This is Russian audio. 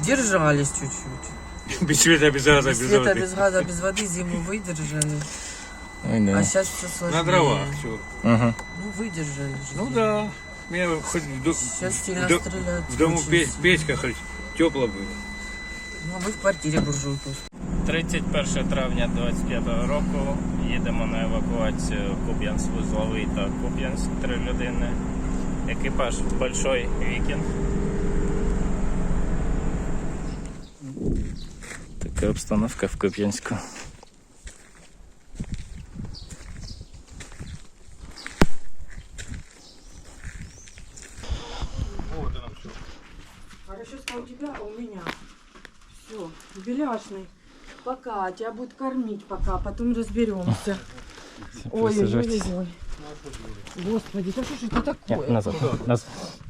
Держались чуть-чуть. Без света, без газа, Без без света, воды. без газа, без воды зиму выдержали. Ой, да. А сейчас все сложнее. На дровах все. Ага. Ну, выдержали же. Ну да. Меня хоть Сейчас сильно стреляют. в дому очень сильно. печка хоть тепло было. Ну, а ми в квартирі буржуйку. 31 травня 25-го року їдемо на евакуацію Куп'янськ-Вузловий та Куп'янськ 3 людини. Екіпаж Большой Вікінг. Така обстановка в Куп'янську. Хорошо, что у тебя, а у меня. Все, беляшный. Пока, тебя будут кормить пока, потом разберемся. Ой-ой-ой. Господи, да что ж это такое? Назад.